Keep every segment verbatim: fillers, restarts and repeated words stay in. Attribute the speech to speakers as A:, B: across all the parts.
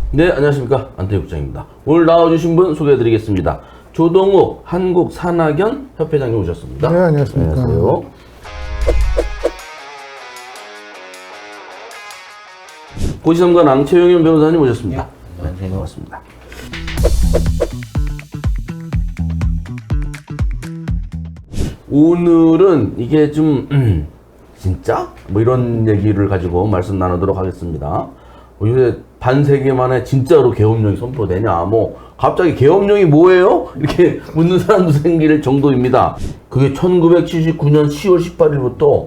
A: 네, 안녕하십니까. 안태희 국장입니다. 오늘 나와주신 분 소개해드리겠습니다. 조동욱 한국산학연 협회장님 오셨습니다.
B: 네, 안녕하십니까.
A: 안녕하세요. 고시삼관 앙채용현 변호사님 오셨습니다. 네, 네, 반갑습니다. 오늘은 이게 좀 음, 진짜? 뭐 이런 얘기를 가지고 말씀 나누도록 하겠습니다. 요새 반세기 만에 진짜로 계엄령이 선포되냐, 뭐 갑자기 계엄령이 뭐예요? 이렇게 묻는 사람도 생길 정도입니다. 그게 천구백칠십구 년 시월 십팔일부터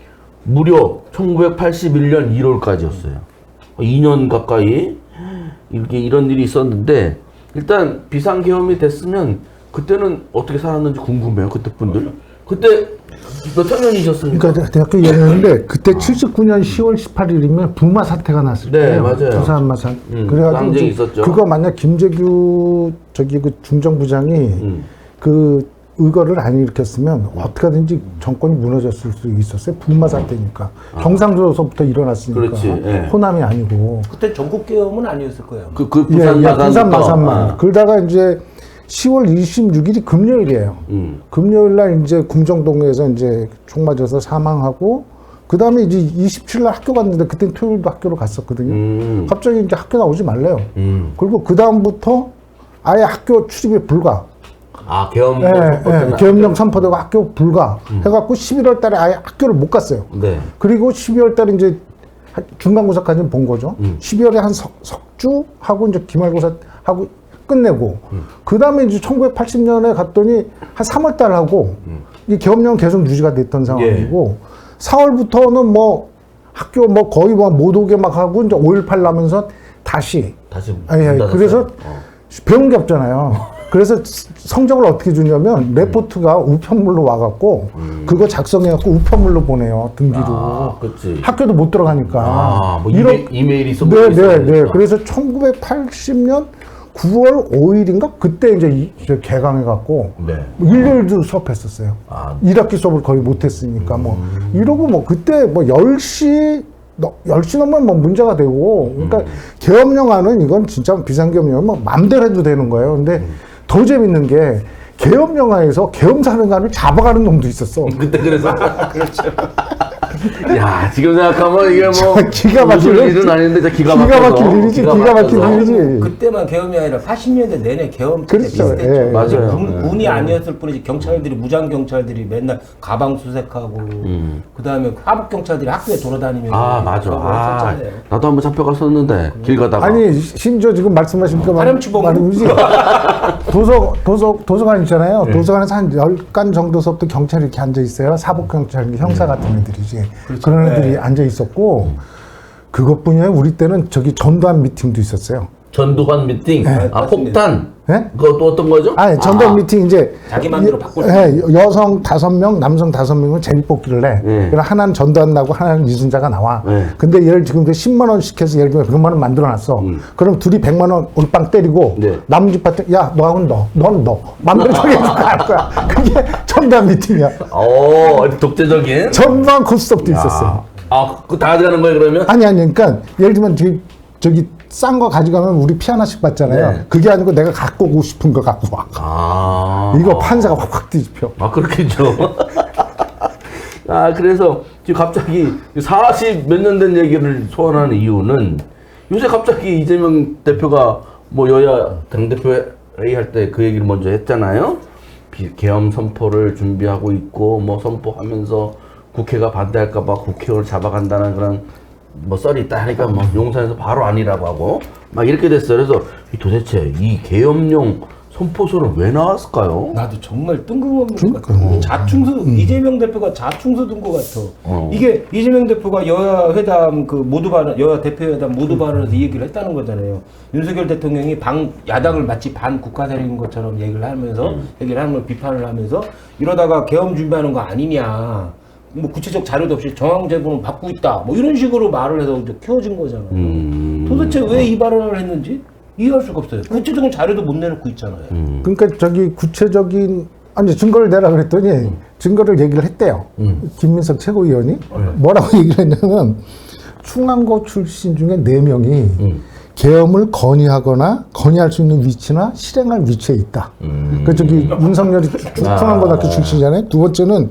A: 무려 천구백팔십일 년 일월까지였어요. 이 년 가까이 이렇게 이런 일이 있었는데, 일단 비상계엄이 됐으면 그때는 어떻게 살았는지 궁금해요. 그때 분들. 그때 몇 학년이셨습니까?
B: 그러니까 대학교 이 학년인데 그때 아. 칠십구 년 시월 십팔일이면 부마 사태가 났을 때.
A: 네, 맞아요.
B: 부산 마사.
A: 음,
B: 그래가지고
A: 항쟁이 있었죠.
B: 그거 만약 김재규 저기 그 중정부장이
A: 음.
B: 그 의거를 안 일으켰으면 음. 어떻게든지 정권이 무너졌을 수 있었어요. 부마 사태니까. 아. 경상도에서부터 일어났으니까.
A: 그렇지. 예.
B: 호남이 아니고.
C: 그때 전국 계엄은 아니었을 거예요.
A: 그, 그
B: 예,
A: 부산
B: 예,
A: 마산.
B: 부산 마산만. 그러다가 이제 시월 이십육일이 금요일이에요.
A: 음.
B: 금요일 날 이제 궁정동에서 이제 총 맞아서 사망하고, 그 다음에 이제 이십칠일 날 학교 갔는데, 그때 토요일도 학교로 갔었거든요.
A: 음.
B: 갑자기 이제 학교 나오지 말래요.
A: 음.
B: 그리고 그 다음부터 아예 학교 출입이 불가.
A: 아, 계엄.
B: 예, 예, 계엄령 선포되고 학교 불가. 음. 해갖고 십일월 달에 아예 학교를 못 갔어요.
A: 네.
B: 그리고 십이월 달에 이제 중간고사까지 본 거죠. 음. 십이월에 한 석, 석주 하고 이제 기말고사 하고 끝내고, 음. 그 다음에 이제 천구백팔십 년에 갔더니 한 삼월 달 하고, 음. 이 계엄령 계속 유지가 됐던 상황이고, 예. 사월부터는 뭐 학교 뭐 거의 뭐 못 오게 막 하고, 이제 오일팔 나면서 다시.
A: 다시.
B: 예, 예. 그래서 어. 배운 게 없잖아요. 그래서 성적을 어떻게 주냐면, 레포트가 우편물로 와갖고, 음. 그거 작성해갖고 우편물로 보내요, 등기로.
A: 아, 그치.
B: 학교도 못 들어가니까.
A: 아, 뭐
B: 이런,
A: 이메, 이메일이 있어.
B: 네, 네, 네. 그래서 천구백팔십 년 구월 오일인가? 그때 이제 이, 이제 개강해갖고,
A: 네.
B: 일요일도 수업했었어요.
A: 아.
B: 일 학기 수업을 거의 못했으니까,
A: 음.
B: 뭐. 이러고 뭐, 그때 뭐 열 시, 열 시 넘으면 뭐 문제가 되고, 그러니까 음. 계엄령안은 이건 진짜 비상계엄령은 뭐 맘대로 해도 되는 거예요. 근데 음. 더 재밌는 게, 계엄령안에서 계엄사령관을 잡아가는 놈도 있었어.
A: 그때 그래서. 그렇죠. 야, 지금 생각하면 이게 뭐
B: 기가 막힐
A: 일은 아닌데 진짜 기가 막혀.
B: 기가 막힐 일이지. 기가, 기가 막힐 일이지.
C: 그때만 계엄이 아니라 팔십 년대 내내 계엄
B: 그렇죠.
C: 비슷했죠.
B: 예,
A: 맞아요.
C: 군, 군이 아니었을 뿐이지 경찰들이 무장 경찰들이 맨날 가방 수색하고 음. 그다음에 하복 경찰들이 학교에 돌아다니면서
A: 아, 맞아. 아, 나도 한번 잡혀갔었는데 길 가다가.
B: 아니, 심지어 지금 말씀하신 그
C: 파렴치범으로
B: 도서 도서 도서관 있잖아요. 네. 도서관에서 한 열 간 정도서부터 경찰이 이렇게 앉아 있어요. 사복 경찰, 형사 같은 애들이지.
C: 그렇죠.
B: 그런 애들이
C: 네.
B: 앉아 있었고, 그것뿐이 아니라 우리 때는 저기 전두환 미팅도 있었어요.
A: 전두환 미팅?
B: 네.
A: 아, 폭탄?
B: 네?
A: 그것도 어떤 거죠?
B: 아니, 전두환
A: 아.
B: 미팅 이제.
C: 자기 맘대로 바꿀 수
B: 네, 여성 다섯 명, 남성 다섯 명을 제비뽑기를 해.
A: 네.
B: 그럼 하나는 전두환 나고 하나는 이순자가 나와.
A: 네.
B: 근데 얘를 지금 십만 원씩 해서 예를 들면 백만 원 만들어 놨어. 음. 그럼 둘이 백만 원 올빵 때리고, 네. 남은 집 파트, 야, 너하고는 너, 너는 너. 맘대로 정해서 갈 거야. 그게 전두환 미팅이야.
A: 오, 독재적인?
B: 전두환 코스톱도 있었어요.
A: 아, 그거 다 가져가는 거예요, 그러면?
B: 아니, 아니, 그러니까, 예를 들면, 저기, 저기, 싼 거 가져가면 우리 피 하나씩 받잖아요. 네. 그게 아니고 내가 갖고 오고 싶은 거 갖고 와.
A: 아.
B: 이거 판사가 확확 뒤집혀.
A: 아, 그렇겠죠. 아, 그래서 지금 갑자기 사십 몇 년 된 얘기를 소환하는 이유는 요새 갑자기 이재명 대표가 뭐 여야 당대표 회의할 때 그 얘기를 먼저 했잖아요. 계엄 선포를 준비하고 있고, 뭐 선포하면서 국회가 반대할까봐 국회의원을 잡아간다는 그런 뭐 썰이 있다 하니까 뭐 용산에서 바로 아니라고 하고 막 이렇게 됐어요. 그래서 도대체 이 계엄령 선포서는 왜 나왔을까요?
C: 나도 정말 뜬금없는
B: 그러니까.
C: 것 같아. 자충수 음. 이재명 대표가 자충수 둔 것 같아. 어. 이게 이재명 대표가 여야 회담 그 모두 발언, 여야 대표 회담 모두 발언에서 이 얘기를 했다는 거잖아요. 윤석열 대통령이 방 야당을 마치 반 국가대리인 것처럼 얘기를 하면서 음. 얘기를 하는 걸 비판을 하면서 이러다가 계엄 준비하는 거 아니냐. 뭐 구체적 자료도 없이 정황 제보는 받고 있다. 뭐 이런 식으로 말을 해서 이제 키워진 거잖아요. 음. 도대체 왜 이 발언을 했는지 이해할 수가 없어요. 구체적인 자료도 못 내놓고 있잖아요.
A: 음.
B: 그러니까 저기 구체적인 아니 증거를 내라 그랬더니 음. 증거를 얘기를 했대요. 음. 김민석 최고위원이 음. 뭐라고 얘기를 했냐면 충안고 출신 중에 네 명이 음. 계엄을 건의하거나 건의할 수 있는 위치나 실행할 위치에 있다.
A: 음.
B: 그 저기 윤석열이 중앙고등학교 출신이잖아요. 두 번째는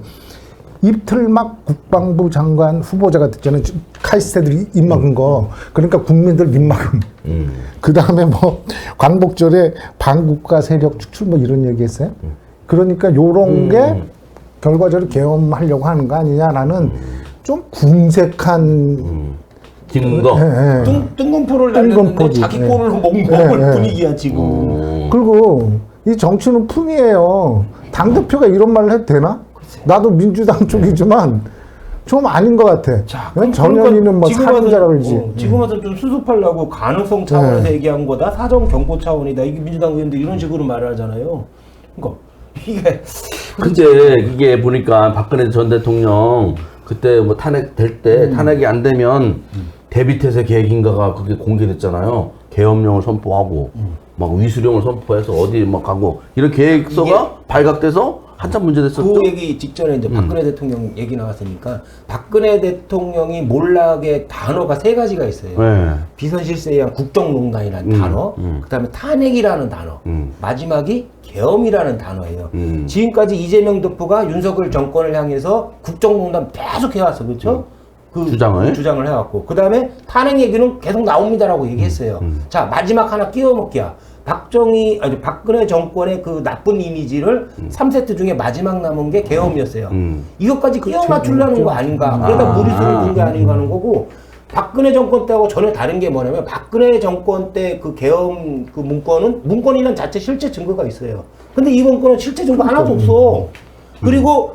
B: 이틀막 국방부 장관 후보자가 됐잖아요. 카이스트들이 입 막은 거. 그러니까 국민들 입 막음.
A: 음.
B: 그 다음에 뭐 광복절에 반국가 세력 축출 뭐 이런 얘기했어요. 그러니까 요런
A: 음.
B: 게 결과적으로 계엄하려고 하는 거 아니냐라는
A: 음.
B: 좀 궁색한
A: 음. 증거.
B: 예, 예.
C: 뜬, 뜬금포를 날렸는데
B: 뜬금포지.
C: 자기
B: 예.
C: 꼴을 먹, 먹을
B: 예, 예.
C: 분위기야 지금.
A: 어.
B: 그리고 이 정치는 품이에요. 당대표가 이런 말을 해도 되나? 나도 민주당 쪽이지만 좀 아닌 것 같아.
C: 자, 그럼
B: 전현희는 뭐
C: 지금 와서-
B: 살인자라 그러지.
C: 어, 지금 와서 좀 수습하려고 가능성 차원에서
B: 네.
C: 얘기한 거다. 사정 경고 차원이다. 이게 민주당 의원들 이런 식으로 말을 하잖아요. 그러니까 이게
A: 근데 이게 보니까 박근혜 전 대통령 그때 뭐 탄핵 될 때 탄핵이 안 되면 대비태세 계획인가가 그게 공개됐잖아요. 계엄령을 선포하고 막 위수령을 선포해서 어디 막 가고 이런 계획서가 발각돼서 한참 문제됐었죠.
C: 그 얘기 직전에 이제 박근혜 대통령 얘기 나왔으니까 박근혜 대통령이 몰락의 단어가 세 가지가 있어요.
A: 네.
C: 비선실세에 의한 국정농단이라는
A: 음,
C: 단어,
A: 음.
C: 그다음에 탄핵이라는 단어,
A: 음.
C: 마지막이 계엄이라는 단어예요.
A: 음.
C: 지금까지 이재명 대표가 윤석열 정권을 향해서 국정농단 계속 해왔어, 그렇죠? 그
A: 주장을?
C: 주장을 해왔고, 그 다음에 탄핵 얘기는 계속 나옵니다라고 얘기했어요.
A: 음.
C: 자, 마지막 하나 끼워먹기야. 박정희, 아니, 박근혜 정권의 그 나쁜 이미지를 삼 세트 중에 마지막 남은 게 계엄이었어요.
A: 음.
C: 이것까지 끼워 맞추려는 거 아닌가. 그러다
A: 아.
C: 무리수를 둔 게 아닌가 하는 거고, 박근혜 정권 때하고 전혀 다른 게 뭐냐면, 박근혜 정권 때 그 계엄 그 문건은, 문건이란 자체 실제 증거가 있어요. 근데 이번 건은 실제 증거 하나도 없어. 그리고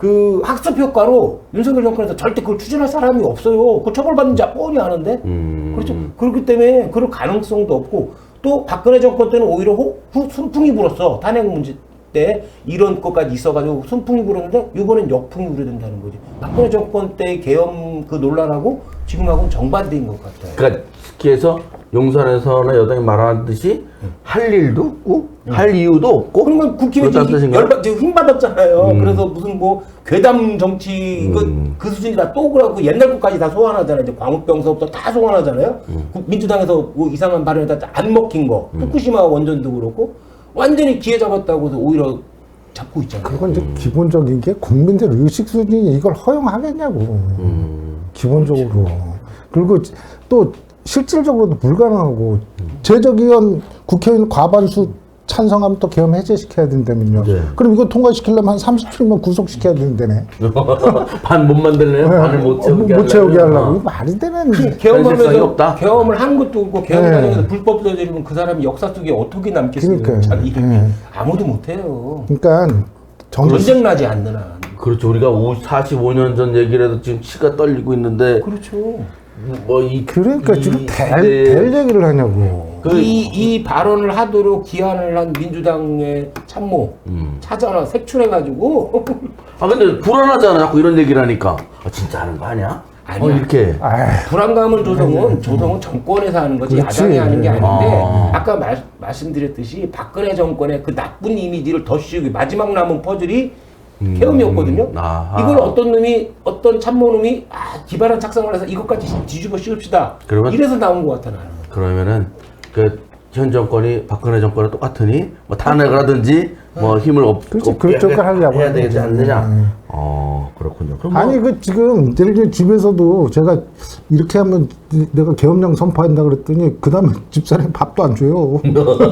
C: 그 학습 효과로 윤석열 정권에서 절대 그걸 추진할 사람이 없어요. 그 처벌받는 자 뻔히 아는데.
A: 음.
C: 그렇죠. 그렇기 때문에 그럴 가능성도 없고, 또 박근혜 정권 때는 오히려 호, 후, 순풍이 불었어. 탄핵 문제 때 이런 것까지 있어가지고 순풍이 불었는데 이번엔 역풍이 우려된다는 거지. 박근혜 정권 때 계엄 그 논란하고 지금하고는 정반대인 것 같아요.
A: 그러니까 특히 해서 용산에서는 여당이 말하듯이 할 일도 없고 할 이유도 없고
C: 그러면 국힘이
A: 그렇다는
C: 지금
A: 뜻인가요?
C: 열받, 지금 힘받았잖아요.
A: 음.
C: 그래서 무슨 뭐 괴담 정치 이거
A: 음.
C: 그 수준이다 또 그러고 옛날 것까지 다 소환하잖아요. 이제 광우병서부터 다 소환하잖아요.
A: 음.
C: 국- 민주당에서 뭐 이상한 발언에다 안 먹힌 거, 후쿠시마 원전도 그렇고 완전히 기회 잡았다고 해서 오히려 잡고 있잖아요.
B: 그건 이제 기본적인 게 국민들 의식 수준이 이걸 허용하겠냐고.
A: 음.
B: 기본적으로. 그리고 또 실질적으로도 불가능하고 제적의원 국회의원 과반수 찬성하면 또 계엄 해제시켜야 된다면요.
A: 네.
B: 그럼 이거 통과시키려면 한 삼십 일만 구속시켜야 된다네.
A: 반 못 만들래요? 반을 못 채우게
B: 못 채우게
A: 하려면?
B: 하려고.
A: 어.
B: 이거 말이 되는.
A: 현실성이
C: 계엄하면서
A: 없다?
C: 계엄을 한 것도 없고 계엄
B: 네.
C: 과정에서 불법 저지르면 그 사람이 역사 속에 어떻게 남겠어요?
B: 그러니까요.
C: 참 이게
B: 네.
C: 아무도 못해요.
B: 그러니까 정,
C: 전쟁 나지 않는 한.
A: 그렇죠. 우리가 사십오 년 전 얘기를 해도 지금 치가 떨리고 있는데
C: 그렇죠.
A: 뭐이
B: 그러니까 지금 될, 될 얘기를 하냐고.
A: 그-
C: 이, 이 발언을 하도록 기한을 한 민주당의 참모
A: 음.
C: 찾아라 색출해가지고
A: 아 근데 불안하잖아. 자꾸 이런 얘기를 하니까 아, 진짜 하는 거 아니야?
C: 아니야.
A: 어, 이렇게
B: 아이,
C: 불안감을 조성은 조성은 정권에서 하는 거지
B: 그렇지.
C: 야당이 하는 게 아닌데
A: 아.
C: 아까 말, 말씀드렸듯이 박근혜 정권의 그 나쁜 이미지를 더 씌우기 마지막 남은 퍼즐이
A: 음.
C: 계엄이었거든요.
A: 아하.
C: 이걸 어떤 놈이 어떤 참모놈이 아 기발한 착상을 해서 이것까지 뒤집어 씌웁시다.
A: 그러면-
C: 이래서 나온 것 같아 나는.
A: 그러면은 그 현 정권이 박근혜 정권과 똑같으니 뭐 탄핵을 하든지 뭐 힘을 없,
B: 그렇지,
A: 없게
B: 그쪽을
A: 하게-
B: 하려고
A: 해야
B: 하는
A: 되지
B: 거죠.
A: 않느냐?
B: 음.
A: 어 그렇군요. 그럼 뭐
B: 아니 그 지금 예를 들면 집에서도 제가 이렇게 하면 내가 계엄령 선포한다 그랬더니 그 다음에 집사람이 밥도 안 줘요.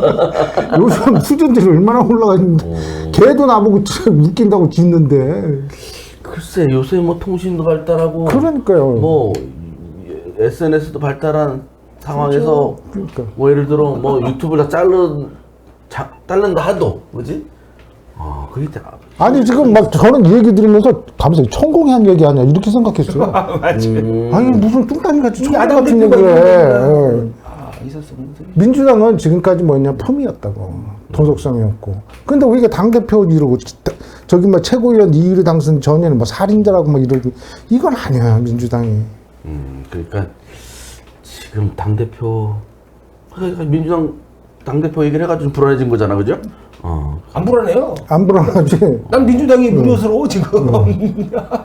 B: 요즘 수준들이 얼마나 올라가 있는데 걔도 나보고 웃긴다고 짖는데.
A: 글쎄 요새 뭐 통신도 발달하고
B: 그러니까요.
A: 뭐 에스엔에스도 발달한 상황에서
B: 그러니까.
A: 뭐 예를 들어 뭐 유튜브를 다 자른 자, 자른다 하도 뭐지? 아 그게 다
B: 아니 지금 막 저는 이 얘기 들으면서 감사히 천공이 한 얘기 아니야 이렇게 생각했어요.
A: 음,
B: 아니 무슨 뚱딴이 같이 천공
C: 야당
B: 같은
C: 대표가
B: 얘기를 해.
C: 그러면은 아 있었으면
B: 민주당은 지금까지 뭐냐 품이었다고 도덕성이었고 근데 우리가 당대표 이러고 저기 뭐 최고위원 이의로 당선 전에는 뭐 살인자라고 뭐 이러고 이건 아니야 민주당이.
A: 음 그러니까 지금 당 대표 그러니까 민주당 당 대표 얘기를 해가지고 불안해진 거잖아, 그죠? 어.
C: 안 불안해요.
B: 안 불안하지.
C: 난 민주당이 무료스러워 지금.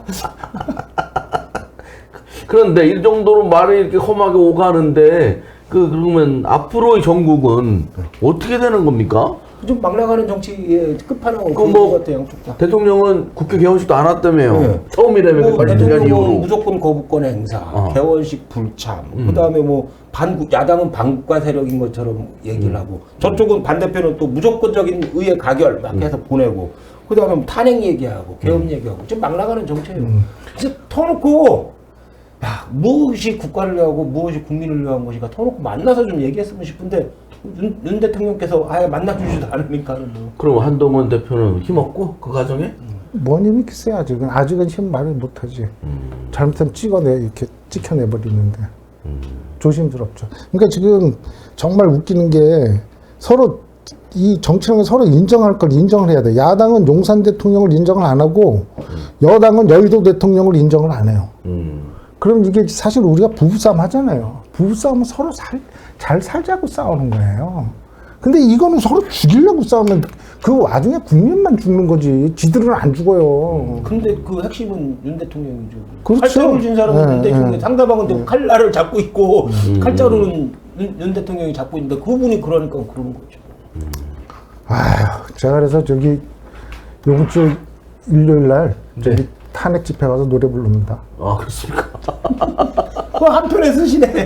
A: 그런데 이 정도로 말이 이렇게 험하게 오가는데 그 그러면 앞으로의 전국은 어떻게 되는 겁니까?
C: 좀 막 나가는 정치의 끝판왕은
A: 그
C: 그런
A: 뭐
C: 것 같아요, 양쪽 다.
A: 대통령은 국회 개원식도 안 왔다며요.
C: 네.
A: 처음이라며
C: 뭐
A: 팔십 년
C: 대통령은
A: 이후로.
C: 무조건 거부권 행사,
A: 어.
C: 개원식 불참,
A: 음.
C: 그다음에 뭐 반국 야당은 반국가 세력인 것처럼 얘기를
A: 음.
C: 하고 저쪽은 반대편은 또 무조건적인 의회 가결 막 해서 보내고 그다음에 뭐 탄핵 얘기하고 개헌 얘기하고 지금 막 나가는 정치예요. 이제 터놓고 야 무엇이 국가를 위하고 무엇이 국민을 위한 것이가 터놓고 만나서 좀 얘기했으면 싶은데 윤, 윤 대통령께서 아예 만나주지도 않으니까는 뭐.
A: 그럼 한동훈 대표는 힘없고 그 과정에?
B: 뭔 힘이 있겠어요 아직은. 아직은 힘 말을 못하지. 잘못하면 찍어내 이렇게 찍혀내버리는데 조심스럽죠. 그러니까 지금 정말 웃기는 게 서로 이 정치라는 게 서로 인정할 걸 인정을 해야 돼. 야당은 용산 대통령을 인정을 안 하고 여당은 여의도 대통령을 인정을 안 해요.
A: 음.
B: 그럼 이게 사실 우리가 부부싸움 하잖아요. 부부싸움은 서로 살, 잘 살자고 싸우는 거예요. 근데 이거는 서로 죽이려고 싸우면 그 와중에 국민만 죽는 거지. 지들은 안 죽어요.
C: 근데 그 핵심은 윤 대통령이죠.
B: 그렇죠.
C: 칼자루를 쥔 사람은
B: 네,
C: 윤 대통령,
B: 네.
C: 상대방은 또 칼날을 잡고 있고
A: 음.
C: 칼자루는 윤, 윤 대통령이 잡고 있는데 그분이 그러니까 그런 거죠.
B: 아휴, 제가 그래서 저기 요번 주 일요일 날 저기 탄핵 집회 가서 노래 부릅니다.
A: 아 그렇습니까?
C: 그 한편에 쓰시네.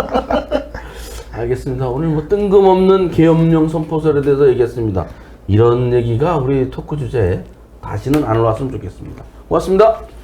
A: 알겠습니다. 오늘 뭐 뜬금없는 계엄령 선포설에 대해서 얘기했습니다. 이런 얘기가 우리 토크 주제에 다시는 안 올라왔으면 좋겠습니다. 고맙습니다.